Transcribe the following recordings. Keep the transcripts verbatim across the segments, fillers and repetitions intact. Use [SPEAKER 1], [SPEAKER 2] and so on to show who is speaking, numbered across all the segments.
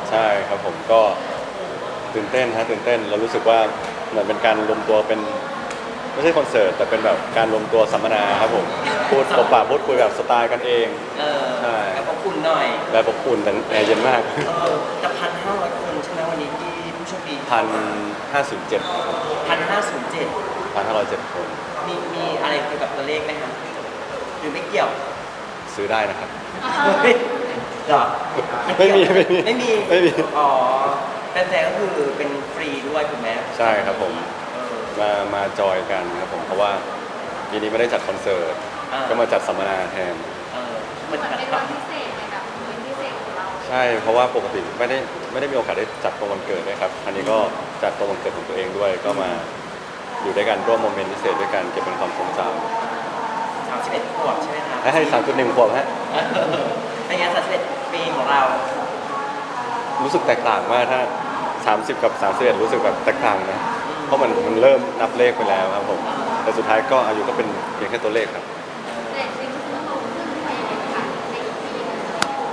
[SPEAKER 1] ใช่ครับผมก็ตื่นเต้นฮะตื่นเต้นเรารู้สึกว่าเหมือนเป็นการรวมตัวเป็นไม่ใช่คอนเสิร์ตแต่เป็นแบบการรวมตัวสัมมนาครับผมพูดปบปากพูดคุยแบบสไตล์กันเอง
[SPEAKER 2] เออ
[SPEAKER 1] ใช่
[SPEAKER 2] แล้วก็คุณหน่อย
[SPEAKER 1] แบบอบอุ่นแต่แอร์เย็นมาก
[SPEAKER 2] เออจะพันห้าร้อยคนใช่ไหมวันนี้ที่ผู้โชคดี
[SPEAKER 1] พันห้าสิบเจ็ด
[SPEAKER 2] พันห้าศูนย์เจ็ด
[SPEAKER 1] พันห้าร้อยเจ็ดคน
[SPEAKER 2] มีมีอะไรเกี่ยวกับตัวเลขไหมครับหรือไม่เกี่ยว
[SPEAKER 1] ซื้อได้นะครับ
[SPEAKER 2] เฮ้ยเหรอ
[SPEAKER 1] ไม่มีไม่มี
[SPEAKER 2] ไม่มี
[SPEAKER 1] ไม่มี
[SPEAKER 2] อ๋อแฟนๆก็คือเป็นฟรีด้วยถูกไหม
[SPEAKER 1] ใช่ครับผม
[SPEAKER 2] เออ
[SPEAKER 1] มามาจอยกันครับผมเพราะว่าปีนี้ไม่ได้จัดคอนเสิร์ต
[SPEAKER 2] อ่า
[SPEAKER 1] ก็มาจัดสัมมนาแทน
[SPEAKER 2] เออ
[SPEAKER 3] เห
[SPEAKER 2] มั
[SPEAKER 3] มื
[SPEAKER 2] น
[SPEAKER 3] อน
[SPEAKER 2] แบบ
[SPEAKER 3] เป็นวันพิเศษในแบบวันพิเศษของเรา
[SPEAKER 1] ใช่เพราะว่าปกติไม่ได้ไม่ได้มีโอกาสได้จัดตรงวันเกิดด้วยครับอันนี้ก็จัดตรงวันเกิดของตัวเองด้วย ก็มาอยู่ด้วยกันร่วมโมเมนต์พิเศษด้วยกันเก็บเป็นความทรงจ
[SPEAKER 2] สามสิบเอ็ดขวบใช่ไหมครับ
[SPEAKER 1] ำให้สามจุดหนึ่งขวบฮะ
[SPEAKER 2] เป็นไงสามสิบเอ็ดปีของเรา
[SPEAKER 1] รู้สึกแตกต่างมากถ้าสามสิบกับสามสิบเอ็ดรู้สึกแบบแตกต่างนะเพราะมันมันเริ่มนับเลขไปแล้วครับผมแต่สุดท้ายก็อายุก็เป็นเพียงแค่ตัวเลขครับ
[SPEAKER 3] แต่จริงๆคือโตขึ้นไปในค่ะในอีกปีหนึง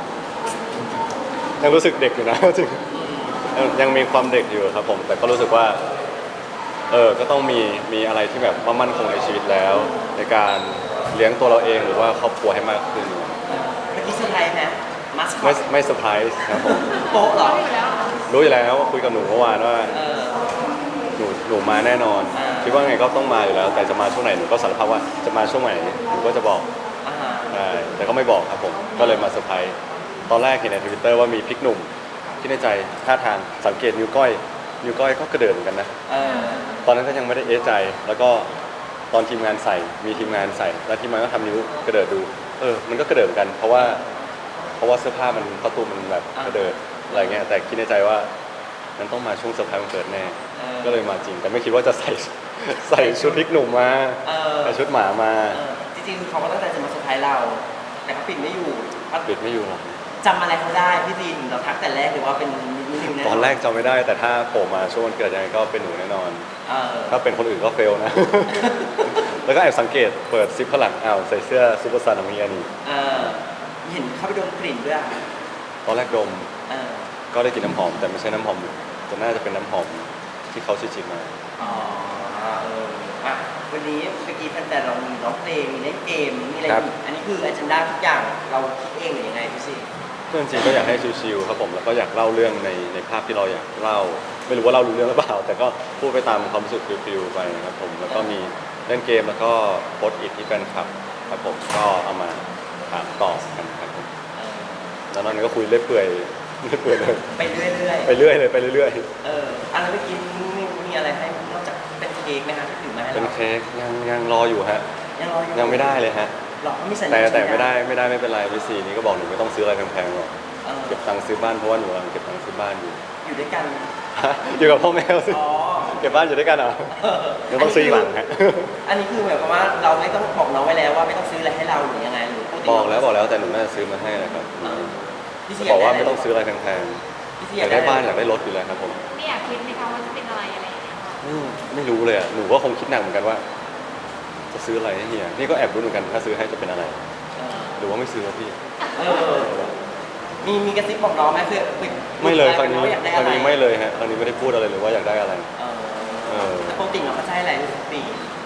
[SPEAKER 1] ยังรู้สึกเด็กอยู่นะ จริงยังยังมีความเด็กอยู่ครับผมแต่ก็รู้สึกว่าเออก็ต้องมีมีอะไรที่แบบว่ามั่นคงในชีวิตแล้ว ในการเลี้ยงตัวเราเองหรือว่าครอบครัวให้มากขึ้น
[SPEAKER 2] เมื่อกี้เซอร์ไพรส์ไหมมัสคอ
[SPEAKER 1] ไม่
[SPEAKER 2] ต
[SPEAKER 1] ไม่เซอร์ไพรส์ครับผม
[SPEAKER 2] โป๊ะเหรอ
[SPEAKER 3] อยู่แล้ว
[SPEAKER 1] รู้อยู่แล้วคุยกับหนูเมื่อวานว่า
[SPEAKER 2] เออ
[SPEAKER 1] หนูหนูมาแน่นอน
[SPEAKER 2] อ่า
[SPEAKER 1] คิดว่าไงก็ต้องมาอยู่แล้ว แต่จะมาช่วงไหนหนูก็สารภาพว่าจะมาช่วงไหนหนูก็จะบอก
[SPEAKER 2] อ่าฮะ
[SPEAKER 1] ใช่แต่ก็ไม่บอกครับผมก็เลยมาเซอร์ไพรส์ตอนแรกเห็นในทวิตเตอร์ว่ามีพริกหนุ่มที่ในใจท่าทางสังเกตนิ้วก้อยนิ้วก้อยก็กระเดิดเหมือนกันนะ
[SPEAKER 2] เออ
[SPEAKER 1] ตอนนั้นก็ยังไม่ได้เอะใจ แล้วก็ตอนทีมงานใส่มีทีมงานใส่แล้วทีมงานก็ทำนิ้วกระเดิดดูเออมันก็กระเดิดเหมือนกัน เพราะว่าเพราะว่าเสื้อผ้ามันประตูมันแบบกระเดิดอะไรเงี้ยแต่คิดในใจว่ามันต้องมาช่วงเซอร์ไพรส์วันเกิดแน่
[SPEAKER 2] เออ
[SPEAKER 1] ก็เลยมาจริง แต่ไม่คิดว่าจะใส่ ใส่ชุดพริกหนุ่มมา
[SPEAKER 2] เออ
[SPEAKER 1] ใส่ชุดหมามา
[SPEAKER 2] เออจริงๆคือเขาก็ตั้งใจจะมาเซอร์ไพรส์เรา แต่เขาปิดไม่อยู่เขา
[SPEAKER 1] ปิดไม่อยู่หรอก
[SPEAKER 2] จำอะไรเขาได้พี่ดินเราทักแต่แรกหรือว่าเป็นนิวๆแน่
[SPEAKER 1] ตอนแรกจำไม่ได้แต่ถ้าโผล่มาช่วงวันเกิดยังไงก็เป็นหนูแน่นอน
[SPEAKER 2] เออ
[SPEAKER 1] ถ้าเป็นคนอื่นก็เฟลนะ แล้วก็แอบสังเกตเปิดซิปข้างหลังอ้าวใส่เสื้อซูเปอร์ซันของมีอันนี้
[SPEAKER 2] เออเห็นเขาไปดมกลิ่นด้วยอะ
[SPEAKER 1] ตอนแรกดม
[SPEAKER 2] เออ
[SPEAKER 1] ก็ได้กลินน้ำหอมแต่ไม่ใช่น้ำหอมหนูแต่น่าจะเป็นน้ำหอมที่เขาชิมๆมา
[SPEAKER 2] อ๋อเอออ่ะวันนี้เมื่อกี้แฟนๆเรามีร้องเพลงมีเล่นเกมมีอะไรอีกอันนี้คืออ g จ n d a ทุกอย่างเราคิดเองหรือยังไงพี่สิ
[SPEAKER 1] เพื่อนจริงก็อยากให้ชิลๆครับผมแล้วก็อยากเล่าเรื่องในในภาพที่เราอยากเล่า ไม่รู้ว่าเรารู้เรื่องหรือเปล่า แต่ก็พูดไปตามความรู้สึกฟิลๆไปครับผมแล้วก็มีเล่นเกมแล้วก็โพสต์อิทที่แฟนคลับครับผมก็เอามาถามตอบกันครับผม
[SPEAKER 2] เออ
[SPEAKER 1] แล้วนอกนั้นก็คุยเรื่อยเปื่อยเรื่อยเปื่อยเลย
[SPEAKER 2] ไปเรื่อย
[SPEAKER 1] ไปเรื่อยเลยไปเรื่อย
[SPEAKER 2] ๆเอออันแล้วเมื่อกี้มีมีอะไรให้นอกจากเป็นเค้กไหมคะที่ถือมาให้
[SPEAKER 1] ๆเป็น
[SPEAKER 2] เรา
[SPEAKER 1] เค้กยังยังรออยู่ฮะ
[SPEAKER 2] ยังรออยู่
[SPEAKER 1] ยังไม่ได้เลยฮะ
[SPEAKER 2] หรอเขามีสัญญา
[SPEAKER 1] แต่แต่
[SPEAKER 2] สัญญา
[SPEAKER 1] ไม่ได้ไม่ได้ไม่เป็นไรพี่ซีนี่ก็บอกหนูไม่ต้องซื้ออะไรแพงๆหรอก
[SPEAKER 2] เออ
[SPEAKER 1] เก็บตังค์ซื้อบ้านเพราะว่าหนูกำลังเก็บตังค์ซื้อบ้านอยู่
[SPEAKER 2] อยู่ด้วยกัน
[SPEAKER 1] อยู่กับพ่อแม่สิ
[SPEAKER 2] อ๋อ
[SPEAKER 1] เก็บบ้านอยู่ด้วยกันเหรอ
[SPEAKER 2] เออ
[SPEAKER 1] ยังต้องซื้ออีกหลังฮะ
[SPEAKER 2] อันนี้คือหมายความว่าเราไม่ต้องบอกน้องไว้แล้วว่าไม่ต้องซื้ออะไรให้เราหรือยังไงหรือปติ
[SPEAKER 1] บอกแล้วบอกแล้วแต่หนูน่าจะซื้อมาให้แหละครับ
[SPEAKER 2] เออพี่ซี
[SPEAKER 1] บอกว่าไม่ต้องซื้ออะไรแพง
[SPEAKER 2] พี่ซี
[SPEAKER 1] ๆอยากได้บ้านอยากได้รถอยู่แล้วครับผม
[SPEAKER 3] ไม่อยากคิดไหมคะว่าจะเป็นอะไรอะไรอย่างเงี้ย
[SPEAKER 1] อืมไม่รู้เลยอ่ะหนูก็คงคิดหนักเหมือนกันว่า จะซื้ออะไรให้เฮียนี่ก็แอบรู้เหมือนกันถ้าซื้อให้จะเป็นอะไร
[SPEAKER 2] เออ
[SPEAKER 1] หรือว่าไม่ซื้อวะพี่
[SPEAKER 2] เออมีมีกระซิบบอกน้องไหมคือ
[SPEAKER 1] ไม่เลยครั้งนี้
[SPEAKER 2] ว่าอยากได้
[SPEAKER 1] ค
[SPEAKER 2] อะ
[SPEAKER 1] รั้ง
[SPEAKER 2] ไร
[SPEAKER 1] นี้ไม่เลยฮะครั้งนี้ไม่ได้พูดอะไรเลยว่าอยากได้อะไร
[SPEAKER 2] เออ
[SPEAKER 1] เออ
[SPEAKER 2] แต่ปกติเราก็จะให้อะไรทุกปี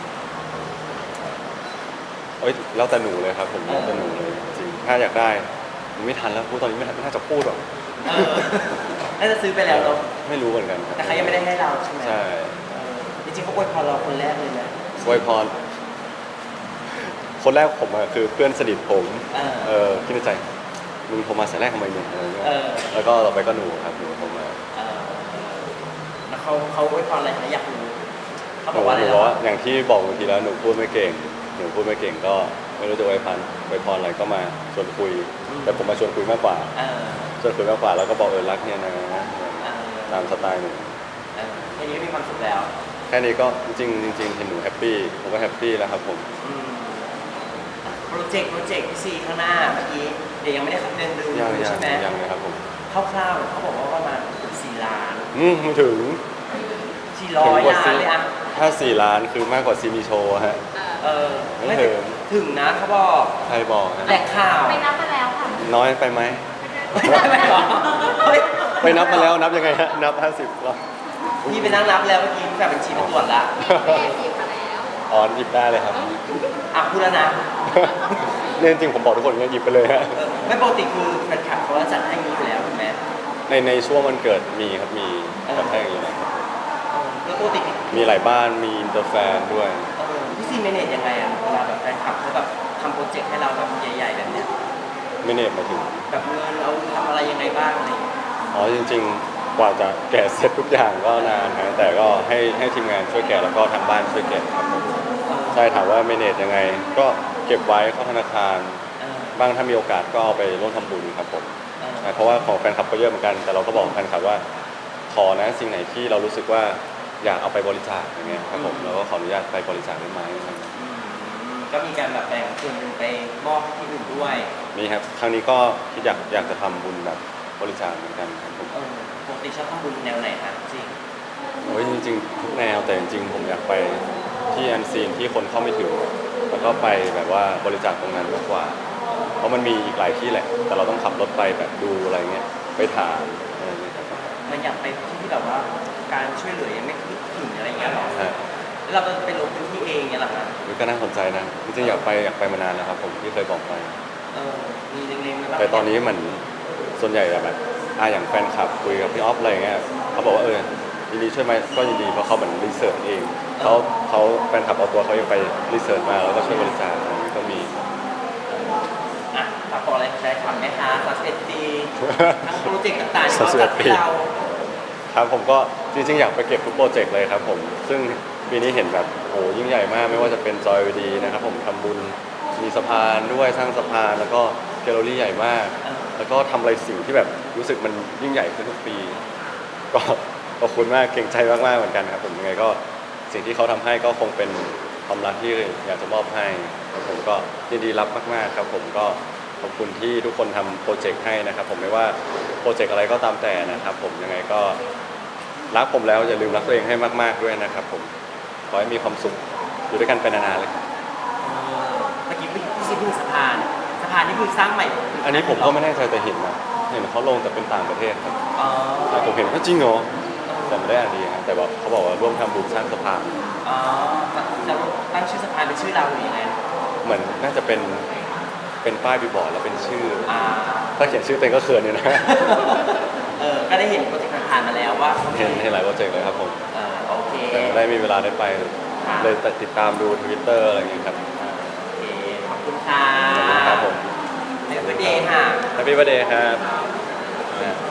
[SPEAKER 1] เอ้ยแล้วแต่หนูเลยครับผมแล้วแต่หนูเลยจริงถ้าอยากได้มันไม่ทันแล้วพูดตอนนี้ไม่ทันไม่น่าจะพูดหรอก
[SPEAKER 2] เออน่าจะซื้อไปแล้วเนาะ
[SPEAKER 1] ไม่รู้เหมือนกันครับ
[SPEAKER 2] แต่เขายังไม่ได้ให้เราใช่ไหม
[SPEAKER 1] ใช่
[SPEAKER 2] เออจริงๆเขาอวยพรเราคนแรกเลยนะ
[SPEAKER 1] อวยพรคนแรกผมอะคือเพื่อนสนิทผม
[SPEAKER 2] เออ
[SPEAKER 1] เออคิดในใจมึงโทรมาสายแรกทำไมเนี่ยอะไรเงี้ย
[SPEAKER 2] เออ
[SPEAKER 1] แล้วก็ต่อไปก็หนูครับหนูโทรมา
[SPEAKER 2] เออแล้วเขาเขาอวยพรอะไรนะอยากรู้เขา
[SPEAKER 1] ห
[SPEAKER 2] บ
[SPEAKER 1] นู
[SPEAKER 2] อกว่าอะไร
[SPEAKER 1] หนู
[SPEAKER 2] นะ
[SPEAKER 1] บอกว่าอย่างที่บอกบางทีแล้วหนูพูดไม่เก่งหนูพูดไม่เก่งก็ไม่รู้จะอวยพรอวยพรอะไรก็มาชวนคุย แต่ผมมาชวนคุยมากกว่า
[SPEAKER 2] เออ
[SPEAKER 1] ชวนคุยมากกว่าแล้วก็บอกเออรักเนี่ยนะ
[SPEAKER 2] เออ
[SPEAKER 1] ตามสไตล์หนู
[SPEAKER 2] เออแค่นี้ก็มีความสุขแล้ว
[SPEAKER 1] แค่นี้ก็จริงๆจริงๆเห็นหนูแฮปปี้ผมก็แฮปปี้แล้วครับผม
[SPEAKER 2] อืมโปรเจกต์โปรเจกต์พี่ซีข้างหน้าเมื่อกี้เดี๋ยวยังไม่ได้ขับเดินดู
[SPEAKER 1] ยังยัง
[SPEAKER 2] ใช่ไหม
[SPEAKER 1] ยังเลยครับผม
[SPEAKER 2] คร่าวๆเขาบอกว่าประมาณสี่ล้าน
[SPEAKER 1] อืมไม่ถึง
[SPEAKER 2] สี่ร้อยล้านเลยอะ
[SPEAKER 1] ถ้าสี่ล้านคือมากกว่าซีมีโชว์ฮะ
[SPEAKER 3] เออ
[SPEAKER 2] เออ
[SPEAKER 1] ไม่ถึง
[SPEAKER 2] ถึงนะเขาบอก
[SPEAKER 1] ใครบอกฮะ
[SPEAKER 2] แหล่งข่าว
[SPEAKER 3] ไปนับมาแล้วค่ะ
[SPEAKER 1] น้อยไปไหม
[SPEAKER 2] ไม่ได้ไหมหรอเฮ้ย
[SPEAKER 1] ไปนับมาแล้วนับยังไงฮะนับห้าสิบรอบ
[SPEAKER 2] พี่ไปนั่งนับแล้วเมื่อกี้แบบบัญชีไปตรวจละ
[SPEAKER 3] แม่หยิบมาแล้ว
[SPEAKER 1] อ๋อหยิบได้เลยครับ
[SPEAKER 2] อ่ะพูดแล้วนะ
[SPEAKER 1] เนี่ยจริงๆผมบอกทุกคนอย่างเงี้ยหยิบไปเลยฮะ
[SPEAKER 2] เออไม่ปกติคือแฟนคลับเขาจะจัดให้อยังนี้อยู่แล้วถูกไหม
[SPEAKER 1] ในในช่วงวันเกิดมีครับมีแบบแท่งอย่างนี้นะครับ
[SPEAKER 2] เออแล้วปกติพี่
[SPEAKER 1] มีหลายบ้านมีอินเตอร์แฟนด้วย
[SPEAKER 2] เออพี่ซีเมเนจยังไงอะเวลาแบบแฟนคลับเขาแบบทำโปรเจกต์ให้เราแบบใหญ่ๆแบบเนี้ย
[SPEAKER 1] ไม่เนตมาถึง
[SPEAKER 2] แบบเงินเราทำอะไรยังไงบ้างอะไรอย่างเงี้ย
[SPEAKER 1] อ๋อจริงๆ กว่าจะแกะเสร็จทุกอย่างก็นานนะแต่ก็ให้ให้ทีมงานช่วยแกะแล้วก็ทางบ้านช่วยแกะครับผม
[SPEAKER 2] เออ
[SPEAKER 1] ใช่ถามว่าเมเนจยังไง ก็เก็บไว้เข้าธนาคาร
[SPEAKER 2] เออ
[SPEAKER 1] บ้างถ้ามีโอกาสก็เอาไปร่วมทำบุญครับผม
[SPEAKER 2] เออ
[SPEAKER 1] ใช่เพราะว่าของแฟนคลับก็เยอะเหมือนกัน แต่เราก็บอกแฟนคลับว่าขอนะสิ่งไหนที่เรารู้สึกว่าอยากเอาไปบริจาคอย่างเงี้ยครับผมเราก็ขออนุญาตไปบริจาคได้ไหมอะไรเงี้ย
[SPEAKER 2] อืมก็มีการแบบแบ่งส่วนหนึ่งไปมอบให้ที่อื่นด้วย
[SPEAKER 1] นี่ครับครั้งนี้ก็คิดอยากอยากจะทำบุญแบบบริจาคเหมือนกันครับผม
[SPEAKER 2] เออปกติชอบทำบุญแนวไหนคะจริง
[SPEAKER 1] โอ้ยจริงๆทุกแนวแต่จริงๆผมอยากไปที่อันซีนที่คนเข้าไม่ถึงแล้วก็ไปแบบว่าบริจาคตรงนั้นมากกว่า เพราะมันมีอีกหลายที่แหละ แต่เราต้องขับรถไปแบบดูอะไรเงี้ยไปถามอะไรเงี้ยครับ
[SPEAKER 2] มันอยากไปที่ที่แบบว่าการช่วยเหลือยังไม่ถึงอะไรอย่างเงี้ยหรอ
[SPEAKER 1] ฮะ
[SPEAKER 2] แล้วเราไปลงพื้นที่เองเงี้ยเหรอคะ
[SPEAKER 1] นี่ก็น่าสนใจนะจริงๆอยากไปอยากไปมานานแล้วครับผมที่เคยบอกไป
[SPEAKER 2] เออมีเล็งๆไหมบ้าง
[SPEAKER 1] แต่ตอนนี้เหมือนส่วนใหญ่แบบอ่ะอย่างแฟนคลับคุยกับพี่ออฟอะไรเงี้ยเขาบอกว่าเออยินดีช่วยไหมก็ยินดีเพราะเขาเหมือนรีเสิร์ชเองเขาเขาแฟนคลับเอาตัวเขาเองไปรีเสิร์ชมาแล้วก็ช่วยบริจาคอะไรเงี้ยก็มี
[SPEAKER 2] อ่ะฝากบอกอะไรได้ทำไหมคะสามสิบเอ็ดปีทั้งโปรเจกต์ต่างๆที่เขาจัดให้เรา
[SPEAKER 1] ครับผมก็จริงๆอยากไปเก็บทุกโปรเจกต์เลยครับผมซึ่งปีนี้เห็นแบบโหยิ่งใหญ่มากไม่ว่าจะเป็นจอยวีดีนะครับผมทำบุญมีสะพานด้วยสร้างสะพานแล้วก็แกลเลอรี่ใหญ่มาก แล้วก็ทำอะไรสิ่งที่แบบรู้สึกมันยิ่งใหญ่ขึ้นทุกปี ก็ขอบคุณมากเก่งใจมากๆเหมือนกันครับผมยังไงก็สิ่งที่เขาทำให้ก็คงเป็นความรักที่อยากจะมอบให้ครับผมก็ยินดีรับมากๆครับผมก็ขอบคุณที่ทุกคนทำโปรเจกต์ให้นะครับผมไม่ว่าโปรเจกต์อะไรก็ตามแต่นะครับผมยังไงก็รักผมแล้วอย่าลืมรักตัวเองให้มากๆด้วยนะครับผมขอให้มีความสุขอยู่ด้วยกันไปนานๆเลยครับ
[SPEAKER 2] เออเมื่อกี้พี่ซีพูดสะพานสะพานนี่คือสร้างใหม่
[SPEAKER 1] อันนี้ผมก็ไม่แน่ใจแต่เห็นนะเห็นเขาลงแต่เป็นต่างประเทศครับ
[SPEAKER 2] อ๋อ
[SPEAKER 1] แต่ผมเห็นว่าจริงเหรอแต่ไม่ได้อ่านดีครับแต่ว่าเขาบอกว่าร่วมทำบุญสร้างสะพาน
[SPEAKER 2] อ๋อจะตั้งชื่อสะพานเป็นชื่อเราหรือยังไง
[SPEAKER 1] เหมือนน่าจะเป็นเป็นป้ายบิลบอร์ดแล้วเป็นชื่อ
[SPEAKER 2] อ่า
[SPEAKER 1] ถ้าเขียนชื่อเต็งก็เขินอยู่นะ
[SPEAKER 2] เออก็ได้เห็นโปรเจกต์ผ่านๆมาแล้วว่าเขามี
[SPEAKER 1] เห็นเห็นหลายโปรเจกต์เลยครับผม
[SPEAKER 2] เออโอเค
[SPEAKER 1] แต่ไม่ได้มีเวลาได้ไป เลยติดตามดูทวิตเตอร์อะไรอย่างเงี้ยครับ
[SPEAKER 2] โอเคขอบคุณค่ะ
[SPEAKER 1] ขอบคุณครับผม
[SPEAKER 2] ในวันเดย์ค่ะ
[SPEAKER 1] Happy Birthday ครับ